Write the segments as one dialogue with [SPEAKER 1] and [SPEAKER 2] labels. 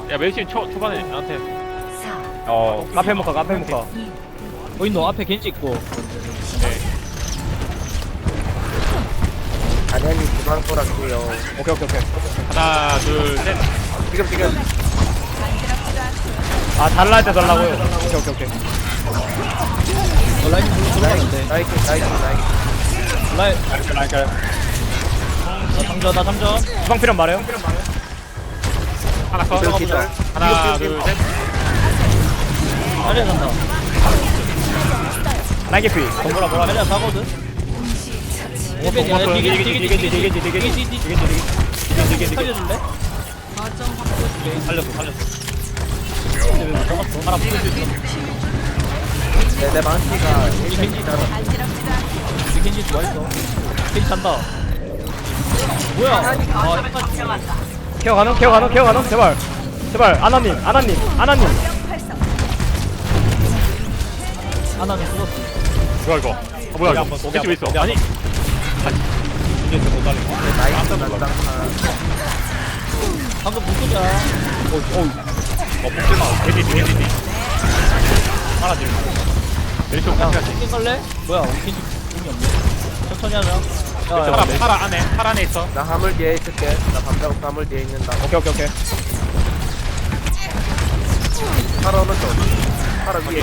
[SPEAKER 1] 야 메이신 초반에 나한테
[SPEAKER 2] 카페 모카.
[SPEAKER 3] 어딨노? 앞에 겐지 있고.
[SPEAKER 4] 아니아님 주방 꼬락게요.
[SPEAKER 2] 오케이.
[SPEAKER 1] 하나 둘셋
[SPEAKER 4] 지금.
[SPEAKER 2] 아 달라 할 때 달라고요. 오케이.
[SPEAKER 3] 라인 불러 들어가는데.
[SPEAKER 4] 나이스.
[SPEAKER 3] 라인,
[SPEAKER 2] 라인까요?
[SPEAKER 3] 나 잠전.
[SPEAKER 2] 주방 필요한 말해요.
[SPEAKER 1] 하나 컷
[SPEAKER 4] 이거 기절.
[SPEAKER 1] 하나 둘셋
[SPEAKER 3] 자리야 간다.
[SPEAKER 2] 라인 개피. 건보라 뭐라.
[SPEAKER 3] 자리야 사거든.
[SPEAKER 1] 못 봤어요.
[SPEAKER 3] 디게지. 살려줄래?
[SPEAKER 2] 살렸어.
[SPEAKER 3] 근데 왜못 잡았어? 하나 부서졌어.
[SPEAKER 4] 내 망치가
[SPEAKER 3] 이 겐지 좋아했어. 겐지 잔다. 뭐야? 아, 헷갈렸어.
[SPEAKER 2] 케어 가능. 제발. 아나님.
[SPEAKER 3] 하나는 죽었어.
[SPEAKER 1] 뭐야 이거 뭐야 이거
[SPEAKER 2] 고기
[SPEAKER 1] 왜 있어 아니
[SPEAKER 4] 나이스 난장판.
[SPEAKER 3] 방금 무소자.
[SPEAKER 1] 복질마 개디 하나 둘 메리시
[SPEAKER 3] 야,
[SPEAKER 1] 같이 가지
[SPEAKER 3] 땡긴 갈래? 뭐야, 우리 겐지 공이 없네. 천천히 하자. 야,
[SPEAKER 1] 팔 안에 있어
[SPEAKER 4] 나 화물 뒤에 있을게. 나 밤자고 화물 뒤에 있는다.
[SPEAKER 2] 오케이.
[SPEAKER 4] 팔아 오른쪽. 팔아 위에.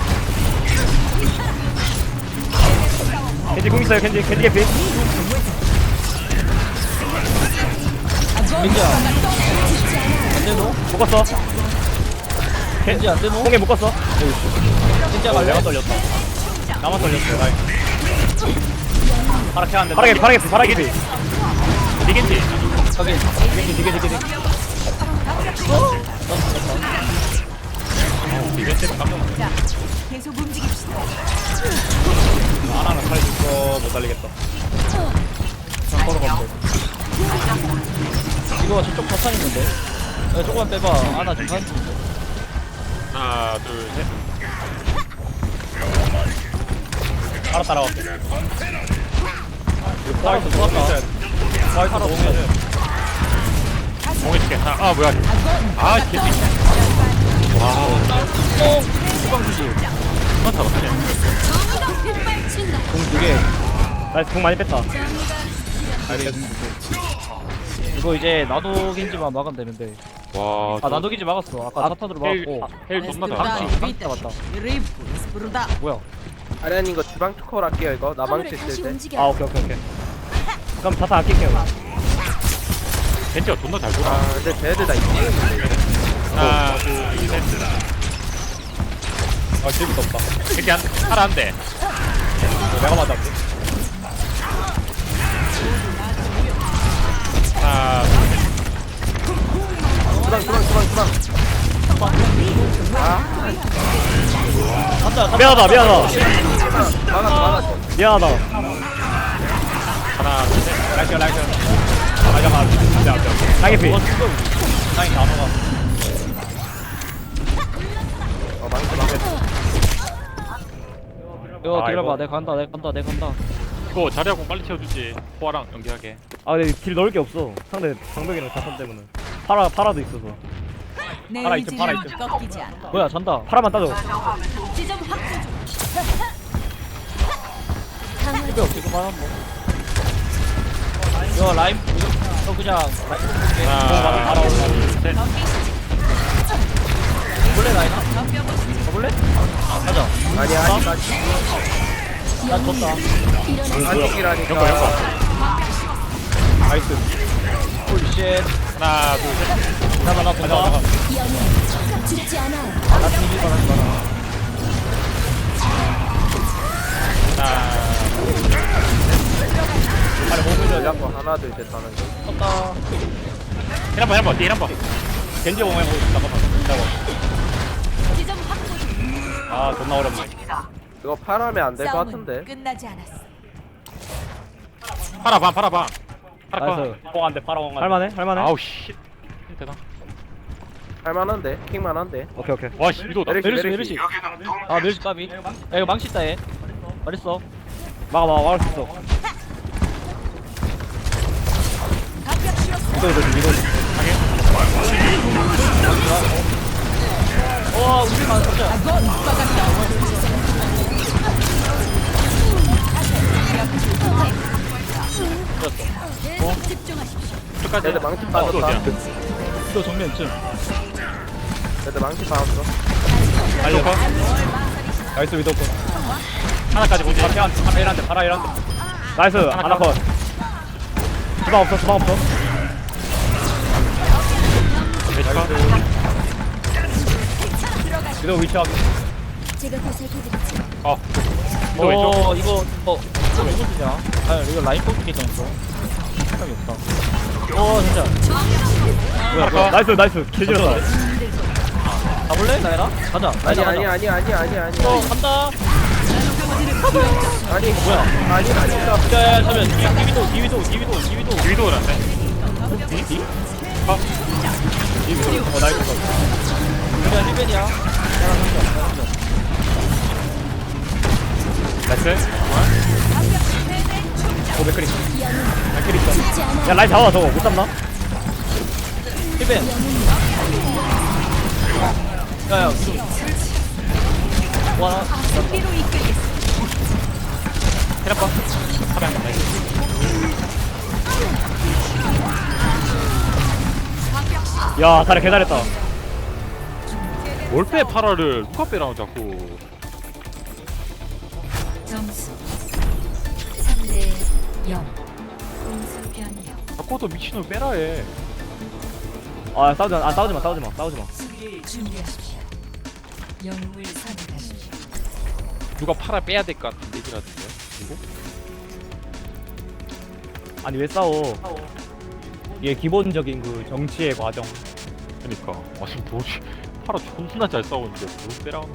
[SPEAKER 2] 겐지 공 있어요. 겐지 개피.
[SPEAKER 3] 겐지야. 안 되노?
[SPEAKER 2] 묶었어.
[SPEAKER 3] 겐지 안 되노?
[SPEAKER 2] 공에 묶었어.
[SPEAKER 3] 겐지야 갈래?
[SPEAKER 2] 나만 떨렸어. 라인. 파라 개피.
[SPEAKER 1] 니겐지
[SPEAKER 3] 저기.
[SPEAKER 2] 디게.
[SPEAKER 1] 이벤트 깜짝 놀랐네
[SPEAKER 5] 자, 계속 움직입시다.
[SPEAKER 2] 하나는 살릴 거못 달리겠다.
[SPEAKER 3] 이거 저쪽 자탄 있는데. 야, 조금만 빼봐. 나 지금 한.
[SPEAKER 1] 하나 둘셋
[SPEAKER 2] 하나 따라갈게.
[SPEAKER 3] 나이스, 좋았다.
[SPEAKER 2] 파라 너무
[SPEAKER 1] 공에 줄게 하나 뭐야 개피
[SPEAKER 3] 후방 주지.
[SPEAKER 1] 한번 잡았네
[SPEAKER 3] 공 2개.
[SPEAKER 2] 나이스 공 많이 뺐다.
[SPEAKER 3] 이거 이제 나도 겐지만 막으면 되는데.
[SPEAKER 1] 와
[SPEAKER 3] 나도 겐지 막았어. 아까 자탄으로 막았고.
[SPEAKER 1] 헬 존나
[SPEAKER 5] 아,
[SPEAKER 1] 잘한다
[SPEAKER 3] 방치 맞다.
[SPEAKER 5] 부르다.
[SPEAKER 3] 뭐야?
[SPEAKER 4] 아니아님 이거 주방 초콜할게요 이거. 나 망치 있을 때.
[SPEAKER 2] 오케이. 그럼 자타 아낄게요.
[SPEAKER 1] 벤치가 존나 잘 돌아
[SPEAKER 4] 근데 쟤네들 다 있지.
[SPEAKER 1] 하나 둘셋
[SPEAKER 2] 재밌었다.
[SPEAKER 1] 이렇게 하나 한대
[SPEAKER 2] 내가 맞았지.
[SPEAKER 1] 하나
[SPEAKER 4] 주방.
[SPEAKER 3] 간다.
[SPEAKER 2] 미안하다.
[SPEAKER 4] 막았어.
[SPEAKER 2] 미안하다.
[SPEAKER 1] 하나 둘셋
[SPEAKER 2] 라이크. 라이피.
[SPEAKER 3] 다행히 다 막아.
[SPEAKER 4] 망치.
[SPEAKER 3] 이거
[SPEAKER 2] 아,
[SPEAKER 3] 기다려봐.
[SPEAKER 2] 이거.
[SPEAKER 3] 내가 간다.
[SPEAKER 1] 이거 자리하고 빨리 채워주지 포화랑 연기하게
[SPEAKER 2] 근데 길 넣을 게 없어. 상대 방벽이랑 자탄 때문에. 파라도 있어서.
[SPEAKER 5] 내
[SPEAKER 2] 팔아 있죠, 팔아
[SPEAKER 5] 의지는 꺾이지 않아.
[SPEAKER 3] 뭐야, 잔다.
[SPEAKER 2] 파라만 따줘.
[SPEAKER 5] 지점 확보 중.
[SPEAKER 3] 집에 없지, 그만 한 번. 이거 라임, 너 그냥 라임 볼게.
[SPEAKER 1] 하나 둘셋
[SPEAKER 3] 볼래, 라임아? 가볼래? 가자.
[SPEAKER 4] 아니야.
[SPEAKER 3] 난 졌다.
[SPEAKER 4] 안쪽이라니까.
[SPEAKER 2] 나이스.
[SPEAKER 3] 홀리 쉣.
[SPEAKER 1] 하나 둘셋
[SPEAKER 3] 나 본다.
[SPEAKER 5] 죽지 않아.
[SPEAKER 3] 나 뒤질 뻔 하지 마라.
[SPEAKER 1] 하나
[SPEAKER 4] 아니 몸을 잡고 하나 둘셋 하는 거.
[SPEAKER 3] 졌다.
[SPEAKER 1] 힐한번 힐한번
[SPEAKER 2] 겐지 공에 잠깐만.
[SPEAKER 5] 지점 확보 중.
[SPEAKER 2] 존나 어렵네.
[SPEAKER 4] 이거 팔하면 안 될 것
[SPEAKER 5] 싸움은
[SPEAKER 4] 같은데.
[SPEAKER 5] 끝나지 않았어.
[SPEAKER 1] 팔아봐
[SPEAKER 2] 나이스. 공안돼 파라 공안. 할만해.
[SPEAKER 1] 아우 씨 되나
[SPEAKER 4] 할만한데. 킹만한데.
[SPEAKER 2] 오케이.
[SPEAKER 1] 와씨 위도다
[SPEAKER 3] 메르시. 메르시 까비. 야, 이거 망치 있다, 얘. 말했어.
[SPEAKER 2] 막을 수 있어. 이거.
[SPEAKER 3] 아 진짜
[SPEAKER 5] 집중하십시오.
[SPEAKER 1] 끝까지.
[SPEAKER 4] 얘들 망치
[SPEAKER 1] 또
[SPEAKER 4] 빠졌다.
[SPEAKER 1] 어디야?
[SPEAKER 3] 또 정면쯤
[SPEAKER 4] 얘들 망치 빠졌어.
[SPEAKER 2] 달려. 나이스 위도 컷.
[SPEAKER 1] 하나까지 보지.
[SPEAKER 2] 하나 일한대. 하나 일한대. 나이스 하나 컷. 주방 없어. 주방 없어. 위도 위치 확인.
[SPEAKER 5] 제가 보살펴드리죠.
[SPEAKER 1] 또 왼쪽.
[SPEAKER 3] 이거 누구 주냐? 아 이거 라인 뽑기 잖아 사람이 없다 진짜
[SPEAKER 2] 뭐야. 나이스. 개지러다.
[SPEAKER 3] 가볼래 나이라? 가자 나이라
[SPEAKER 4] 아니
[SPEAKER 3] 간다
[SPEAKER 4] 아니
[SPEAKER 3] 뭐야
[SPEAKER 4] 아니다.
[SPEAKER 3] 야야 잠시만 디위도
[SPEAKER 1] 위도우란데.
[SPEAKER 2] 나이스 컷.
[SPEAKER 3] 그냥 힐벤이야
[SPEAKER 1] 나이스.
[SPEAKER 2] 오 맥크리. 맥크리 있어. 야 라인 잡아 저거 못 잡나?
[SPEAKER 3] 힐벤 야야 와
[SPEAKER 5] 승리로 이끌겠습니다.
[SPEAKER 1] 테라파. 하면 나이스.
[SPEAKER 2] 야 다리 개잘했다.
[SPEAKER 1] 뭘 빼 파라를 누가 빼라고 자꾸.
[SPEAKER 5] 점수 3대 0. 공수 변경.
[SPEAKER 1] 자꾸 또 미친놈 빼라 해.
[SPEAKER 2] 아 싸우지마.
[SPEAKER 5] 수비를 준비하십시오. 영웅을 선택하십시오.
[SPEAKER 1] 누가 파라 빼야 될 것 같은 얘기라던데. 누구?
[SPEAKER 2] 아니 왜 싸워? 이게 기본적인 그 정치의 과정.
[SPEAKER 1] 그니까. 아 지금 뭐지? 파라 존나 잘 싸우는데 뭘 빼라고.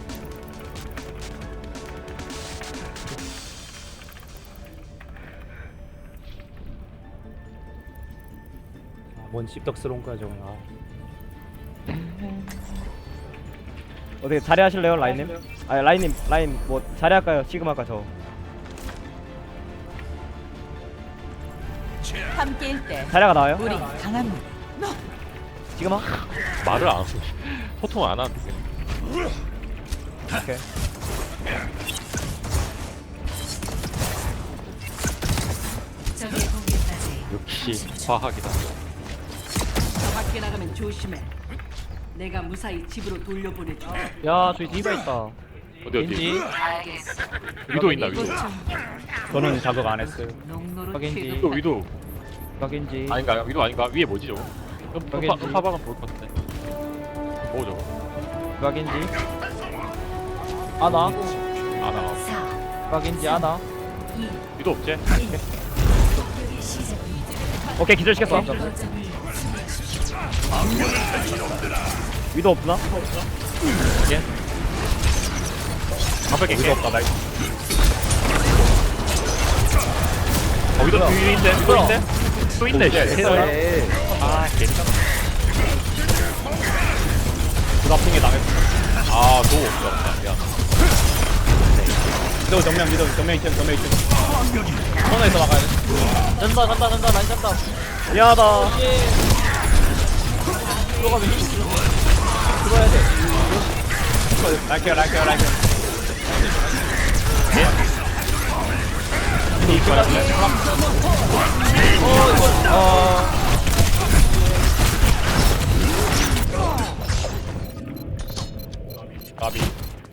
[SPEAKER 2] 뭔 씹덕스러운 거야 저건. 어떻게 자리 하실래요 라인님? 아 라인님 라인 뭐 자리 할까요? 지금 할까 저?
[SPEAKER 5] 함께일 때
[SPEAKER 2] 자리가 나와요?
[SPEAKER 5] 우리 강합니다.
[SPEAKER 2] 지금 하?
[SPEAKER 1] 말을 안 하고 소통 안 하는데 그냥.
[SPEAKER 2] 오케이.
[SPEAKER 5] 적의 공격까지.
[SPEAKER 1] 역시 과학이다.
[SPEAKER 6] 밖에 나가면 조심해. 내가 무사히 집으로 돌려보내줘.
[SPEAKER 3] 야 저기 디바 있다
[SPEAKER 1] 어디
[SPEAKER 3] 왠지
[SPEAKER 1] 위도 있나 위도.
[SPEAKER 2] 저는 자극 안 했어요.
[SPEAKER 6] 농노로
[SPEAKER 3] 확인지.
[SPEAKER 1] 위도 위도
[SPEAKER 3] 각인지
[SPEAKER 1] 아닌가 위도 아닌가 위에 뭐지 저거?
[SPEAKER 3] 여기인지.
[SPEAKER 1] 음파방은 볼것 같은데. 뭐 저거?
[SPEAKER 3] 각인지 아나
[SPEAKER 1] 안 나가.
[SPEAKER 5] 4,
[SPEAKER 3] 각인지 아나
[SPEAKER 1] 위도 없지?
[SPEAKER 5] 공격의 시작.
[SPEAKER 2] 오케이 기절시켰어.
[SPEAKER 5] 거점을
[SPEAKER 2] 위도 없나?
[SPEAKER 1] 가볍게
[SPEAKER 2] 위도
[SPEAKER 1] 깨.
[SPEAKER 2] 없다 나이스.
[SPEAKER 1] 위도 뒤인데 위도 있네? 또 있네 이제.
[SPEAKER 4] 네.
[SPEAKER 1] 아 개짱.
[SPEAKER 2] 부답풍에 당했어.
[SPEAKER 1] 아 도우 없다. 미안.
[SPEAKER 2] 위도 정면 2층.
[SPEAKER 3] 코너에서 막아야 돼 잔다 라인 잔다
[SPEAKER 2] 미안하다.
[SPEAKER 3] 들어가면 힘 들어야 돼
[SPEAKER 2] 라이케어.
[SPEAKER 1] 나비.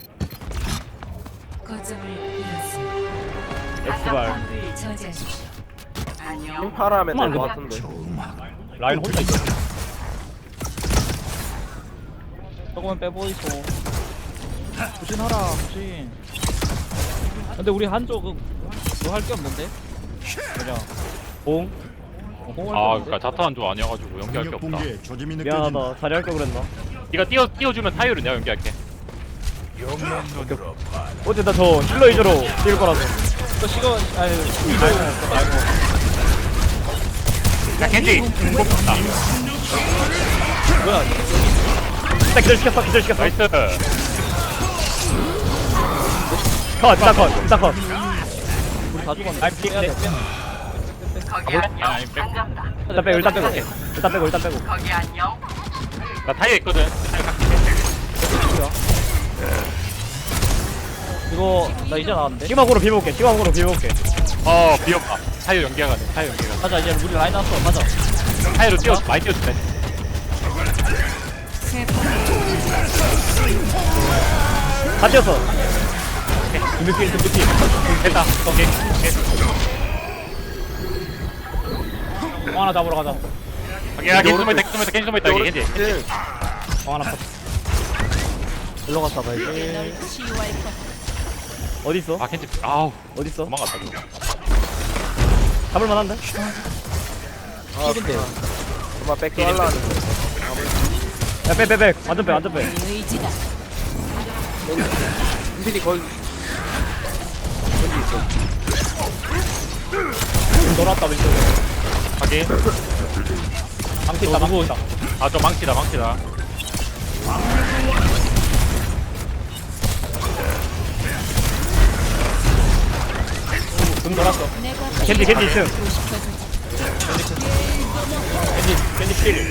[SPEAKER 5] 거점을 잃었습니다.
[SPEAKER 2] 엑스발.
[SPEAKER 5] 저지하십시오.
[SPEAKER 6] 안녕.
[SPEAKER 4] 파라 하면 될 것
[SPEAKER 2] 그만.
[SPEAKER 4] 같은데.
[SPEAKER 2] 라인 혼자 있어.
[SPEAKER 3] 조금만 빼보이소 부진하라 부진 근데 우리 한쪽은 뭐 할 게 없는데? 그냥
[SPEAKER 2] 봉.
[SPEAKER 3] 공을
[SPEAKER 1] 아 그니까 자탄 조 아니어가지고 연기할 게 없다.
[SPEAKER 2] 미안하다. 자리 할걸 그랬나?
[SPEAKER 1] 네가 띄워주면 타이어를 내가 연기할게.
[SPEAKER 2] 어쨌든 저 힐러 위주로 뛸 거라서.
[SPEAKER 3] 또 시간 아니
[SPEAKER 1] 야 켄지. 공격다.
[SPEAKER 3] 뭐야
[SPEAKER 2] 일단 기절시켰어.
[SPEAKER 1] 나이스.
[SPEAKER 2] 일단 컷.
[SPEAKER 3] 우리 다 죽었네
[SPEAKER 2] 아이, 피-
[SPEAKER 3] 빼야 돼
[SPEAKER 1] 아니
[SPEAKER 2] 일단 빼고.
[SPEAKER 6] 거기 안녕.
[SPEAKER 1] 나 타이어 있거든.
[SPEAKER 3] 이거 나 이제 나왔는데.
[SPEAKER 2] 시그마고로 비벼볼게. 시그마고로 비벼볼게.
[SPEAKER 1] 비었다. 타이어 연기가 가네. 타이어 연기가.
[SPEAKER 3] 가자 이제 우리 라인 나왔어. 가자.
[SPEAKER 1] 타이어로 뛰어 많이 뛰어주네.
[SPEAKER 2] 다 뛰었어. 둠비필.
[SPEAKER 1] 됐다. 오케이.
[SPEAKER 2] 공 하나 잡으러 가자.
[SPEAKER 1] 오케이. 야, 겐지 숨어 있다. 여기 겐지.
[SPEAKER 2] 공 하나 컷.
[SPEAKER 3] 일로 갔다 가야지.
[SPEAKER 2] 어디 있어?
[SPEAKER 1] 아, 겐지. 아우,
[SPEAKER 2] 어디 있어?
[SPEAKER 1] 도망갔다. 이거.
[SPEAKER 2] 잡을 만한데?
[SPEAKER 3] 킬인데.
[SPEAKER 4] 정말 뺏겨 하려는
[SPEAKER 2] 야, 빼. 완전 빼.
[SPEAKER 5] 의지다.
[SPEAKER 4] 인필이 거의
[SPEAKER 2] 돌아왔다 왼쪽에.
[SPEAKER 1] 확인.
[SPEAKER 2] 망치 있다.
[SPEAKER 1] 아, 저 망치다.
[SPEAKER 2] 등 돌았어.
[SPEAKER 5] 내가
[SPEAKER 2] 겐지 2층. 겐지 필.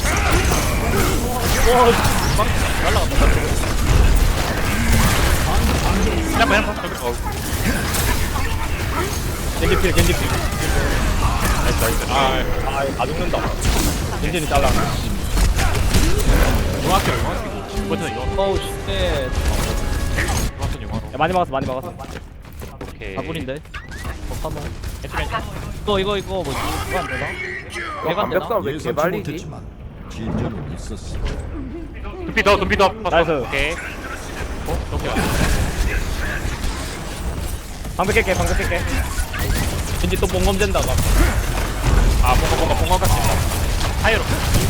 [SPEAKER 1] 한번.
[SPEAKER 2] 겐지 필.
[SPEAKER 1] 나이스. 아,
[SPEAKER 2] 다 죽는다. 겐지는 잘라.
[SPEAKER 1] 중학교. 이거는 이거.
[SPEAKER 3] 어우 쉣.
[SPEAKER 1] 중학교 영화로.
[SPEAKER 2] 야, 많이 막았어.
[SPEAKER 1] 오케이.
[SPEAKER 3] 4분인데. 파모.
[SPEAKER 1] 괜찮아.
[SPEAKER 3] 이거 뭐지? 이거 안 되나? 내가 안 되나?
[SPEAKER 4] 완벽성 왜 이렇게 말리지?
[SPEAKER 7] 진전은 있었어.
[SPEAKER 1] 둠비 더.
[SPEAKER 2] 나이스.
[SPEAKER 1] 오케이. 저기야.
[SPEAKER 2] 방벽 깰게. 겐지 또 뽕검 된다가.
[SPEAKER 1] 아, 뭔가 같이 있다. 타이어로.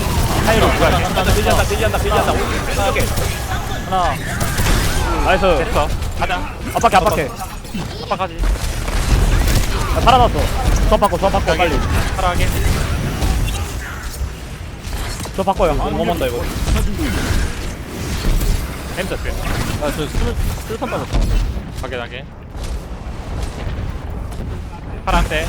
[SPEAKER 2] 빌리한다. 오케이.
[SPEAKER 3] 하나.
[SPEAKER 2] 나이스.
[SPEAKER 1] 됐어. 가자.
[SPEAKER 2] 압박해.
[SPEAKER 1] 빡빡하지.
[SPEAKER 2] 야, 살아났어. 수업 바꿔 빨리.
[SPEAKER 1] 사랑하게.
[SPEAKER 2] 수업 바꿔요. 못 만다 이거.
[SPEAKER 1] 햄스 스
[SPEAKER 3] 야저 술탄 빠졌다.
[SPEAKER 1] 확인하게. 파란색.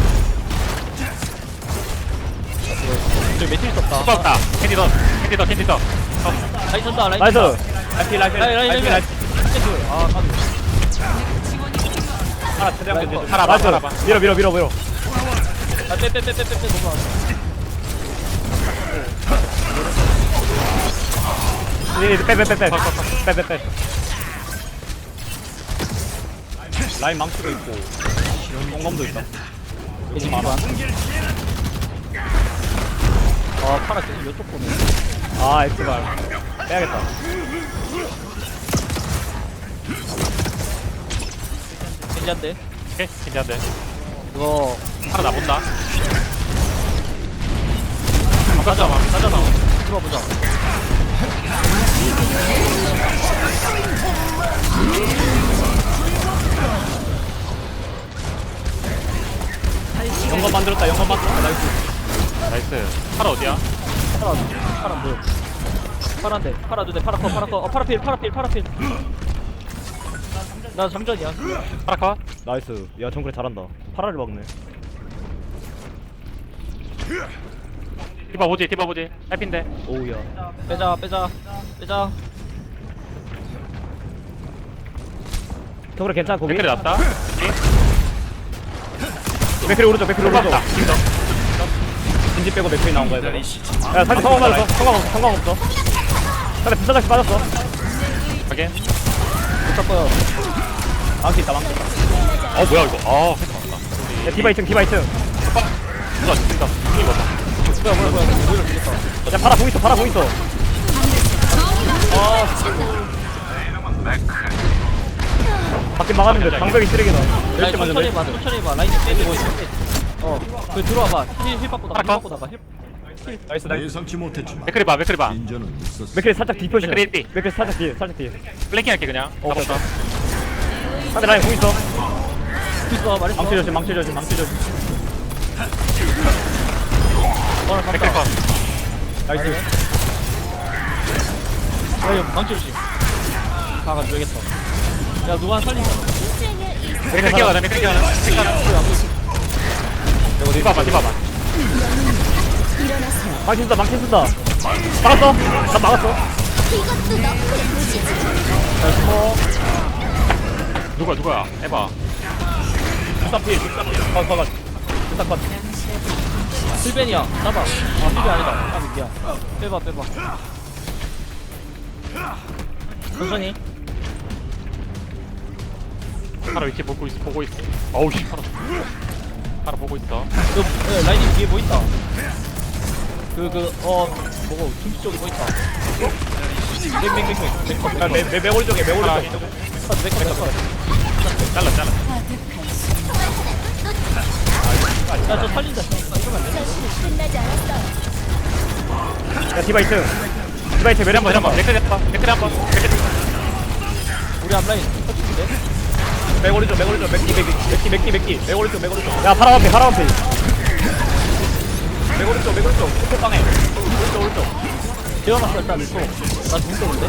[SPEAKER 3] 저 매트리 썼다.
[SPEAKER 1] 수박다. 캔디 더.
[SPEAKER 3] 라인 쏜다. 라인
[SPEAKER 2] 나이스.
[SPEAKER 3] 쏜다. 라인. 아 까비.
[SPEAKER 2] 하나 최대한
[SPEAKER 3] 나이스.
[SPEAKER 2] 견제.
[SPEAKER 1] 살아봐.
[SPEAKER 2] 밀어.
[SPEAKER 3] 아 빼. 너무 안
[SPEAKER 2] 빼. 라인 망치도 있고 똥검도 있다.
[SPEAKER 3] 돼. 많아. 아 파라 계속 이쪽 보네.
[SPEAKER 2] 아 엑스발 빼야겠다.
[SPEAKER 3] 괜찮대.
[SPEAKER 1] 오케이. 괜찮은데.
[SPEAKER 3] 이거
[SPEAKER 1] 하나 나본다.
[SPEAKER 3] 가자. 들어보자.
[SPEAKER 2] 영건 만들었다. 나이스.
[SPEAKER 1] 나이스. 파라 어디야?
[SPEAKER 3] 파라 뭐야? 파란데. 파라 두대. 파라 커. 파라필. 나 장전이야.
[SPEAKER 1] 파라 컷.
[SPEAKER 2] 나이스. 야 정글에 잘한다. 파라를 막네.
[SPEAKER 1] 디바 보지. 해피인데.
[SPEAKER 2] 오우야.
[SPEAKER 3] 빼자.
[SPEAKER 2] 정글에 괜찮아 거기?
[SPEAKER 1] 댓글이 났다.
[SPEAKER 2] 맥크리 오른쪽.
[SPEAKER 1] 수박다.
[SPEAKER 2] 진지 빼고 맥크리 나온 거야 이거. 야 사실 성공 맞았어. 상관없어. 근데 부사장씨 빠졌어.
[SPEAKER 1] 확인.
[SPEAKER 3] 붙을 거야.
[SPEAKER 2] 망치 있다.
[SPEAKER 1] 뭐야 이거. 헤드 맞다.
[SPEAKER 2] 야 디바 2층.
[SPEAKER 1] 누가 죽인다. 이거.
[SPEAKER 3] 뭐야. 오히려 죽겠다.
[SPEAKER 2] 야 파라 공 있어. 밖에 막았는데 방벽이 쓰레기다.
[SPEAKER 3] 라인
[SPEAKER 2] 열심히
[SPEAKER 3] 천천히
[SPEAKER 2] 맞는데.
[SPEAKER 3] 봐. 라인 빼고 있어. 그 들어와봐. 힐 받고 나가.
[SPEAKER 2] 나이스.
[SPEAKER 7] 예상치 못했지만
[SPEAKER 1] 맥크리 봐.
[SPEAKER 7] 진전은 있었어.
[SPEAKER 2] 맥크리 살짝 뒤 포지션.
[SPEAKER 1] 맥크리 뒤.
[SPEAKER 2] 맥크리 살짝 뒤에.
[SPEAKER 1] 플랭킹 할게 그냥.
[SPEAKER 2] 오케이.
[SPEAKER 1] 잡았다.
[SPEAKER 2] 상대 라인 공 있어.
[SPEAKER 3] 있어. 말했어.
[SPEAKER 2] 망치 조심.
[SPEAKER 1] 맥크리 컷.
[SPEAKER 2] 나이스.
[SPEAKER 3] 야 이거 망치 조심. 가가줘야겠다. 야 누가 살린다.
[SPEAKER 1] 맥크리 끼워가자. 디바봐.
[SPEAKER 2] 망치 쓴다. 막았어. 나 막았어.
[SPEAKER 1] 누구야 해봐.
[SPEAKER 2] 뒷사필 컷 뒷사컷
[SPEAKER 3] 필벤이야. 잡아. 아, 필벤 아니다. 아, 미안. 빼봐. 천천히.
[SPEAKER 1] 파라 위치 보고 있어. 어우 씨 파라 보고 있어.
[SPEAKER 3] 라인이 뒤에 뭐 있다. 뭐고, 김치 쪽에 뭐 있다.
[SPEAKER 2] 매 오른쪽에 매 오른쪽에 잘라
[SPEAKER 3] 야, 저 살린다. 이러면 안 돼.
[SPEAKER 2] 야 디바 2층 매력 한번
[SPEAKER 1] 댓글 한번.
[SPEAKER 3] 우리 앞라인 터치인데?
[SPEAKER 2] 매 오른쪽 맥기 매 오른쪽 야 파라 완피 매 오른쪽 끝에 방에 오른쪽
[SPEAKER 3] 재워놨어, 일단 있고. 나 죽는데?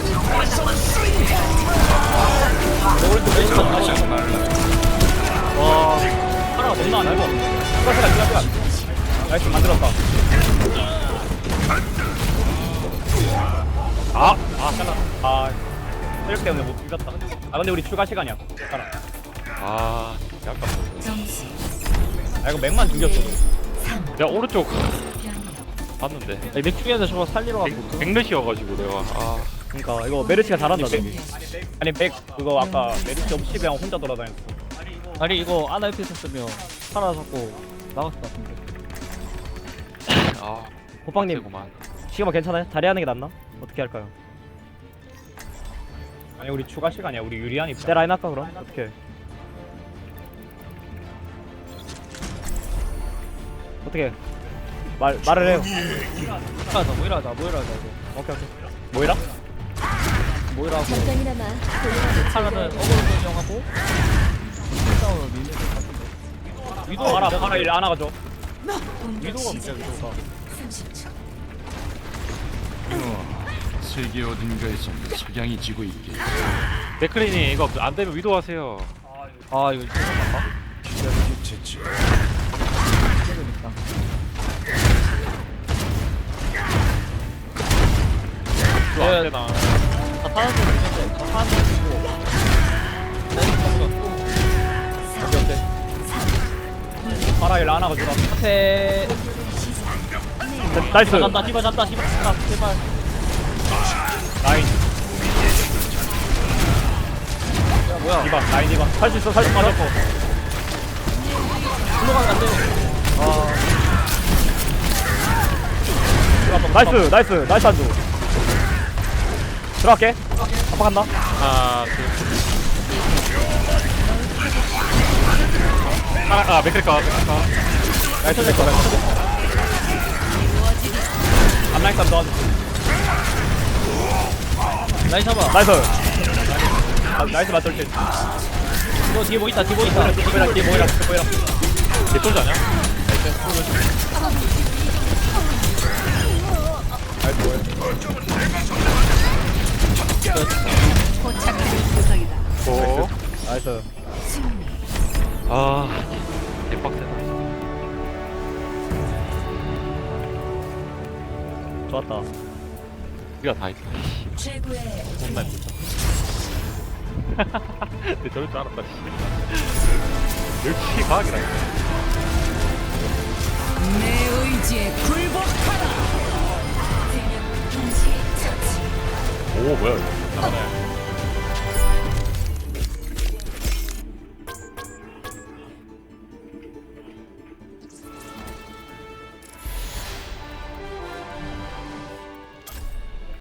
[SPEAKER 2] 매 오른쪽 와 파라가 너무 안 알고 시간 나이스 만들었다 잘라 체력 때문에 못 이겼다 근데 우리 추가 시간이야 파라
[SPEAKER 1] 아 약간.
[SPEAKER 5] 점수
[SPEAKER 2] 이거 맥만 죽였어
[SPEAKER 1] 야 오른쪽 봤는데.
[SPEAKER 3] 맥중에서 저거 살리러 가고.
[SPEAKER 1] 백넷이어가지고 내가.
[SPEAKER 2] 그러니까 이거 메르시가 잘한다 저기 아니 맥 그거 아까 메르시 없이 그냥 혼자 돌아다녔어
[SPEAKER 3] 아니, 이거 아나 옆에 있었으면 살아 잡고 나갔을 것 같은데.
[SPEAKER 2] 호빵님
[SPEAKER 1] 그만.
[SPEAKER 2] 시그마 괜찮아요? 다리 하는 게 낫나? 어떻게 할까요? 아니 우리 추가 시간이야 우리 유리한 내 라인 할까 그럼? 어떻게 말을 해요
[SPEAKER 3] 모이라자.
[SPEAKER 2] 오케이 뭐이라?
[SPEAKER 3] 모이라고. 파라는 어그로 변경하고. 싸움을 미는 것 같은데. 위도
[SPEAKER 2] 파라 일 안 하가죠
[SPEAKER 3] 위도가 문제야, 위도가.
[SPEAKER 5] 30초.
[SPEAKER 7] 세계 어딘가에서 석양이 지고 있게.
[SPEAKER 1] 댓글이니 이거 안 되면 위도하세요.
[SPEAKER 3] 아, 이거 잠깐만.
[SPEAKER 7] 제치.
[SPEAKER 3] 그러니까.
[SPEAKER 1] 이거 안 되나?
[SPEAKER 3] 다 타는 거 있는데, 다 타는 거 있고. 오케이.
[SPEAKER 2] 파라 일 안 하가죠
[SPEAKER 3] 앞에.
[SPEAKER 2] 나이스
[SPEAKER 3] 잡다, 잡다, 제발.
[SPEAKER 2] 라인
[SPEAKER 3] 야, 뭐야.
[SPEAKER 2] 디바 라인 디바 살 수 있어 맞았고
[SPEAKER 3] 흘러가면 안 돼.
[SPEAKER 2] 나이스 한조 들어갈게 아빠 간다
[SPEAKER 1] 하나 둘. 맥클까.
[SPEAKER 2] 나이스 내꺼 앞라인 쌈 넣어줘
[SPEAKER 3] 라인 잡아.
[SPEAKER 2] 나이스 맞돌지
[SPEAKER 3] 너 뒤에 뭐 있다, 뒤에 뭐 있다.
[SPEAKER 2] 뭐이라
[SPEAKER 1] 개솔지 아냐?
[SPEAKER 6] 포착된 구석이다.
[SPEAKER 1] 오.
[SPEAKER 2] 나이스
[SPEAKER 1] 개빡세다.
[SPEAKER 2] 좋았다
[SPEAKER 1] 우리가 다 있어.
[SPEAKER 5] 최고의
[SPEAKER 1] 존나 예쁘다. 근데 저럴 줄 알았다. 역시 과학이라.
[SPEAKER 6] 내 의지에 굴복하라.
[SPEAKER 5] 세명 동시 처치.
[SPEAKER 1] 오 뭐야 이거. 잘하네.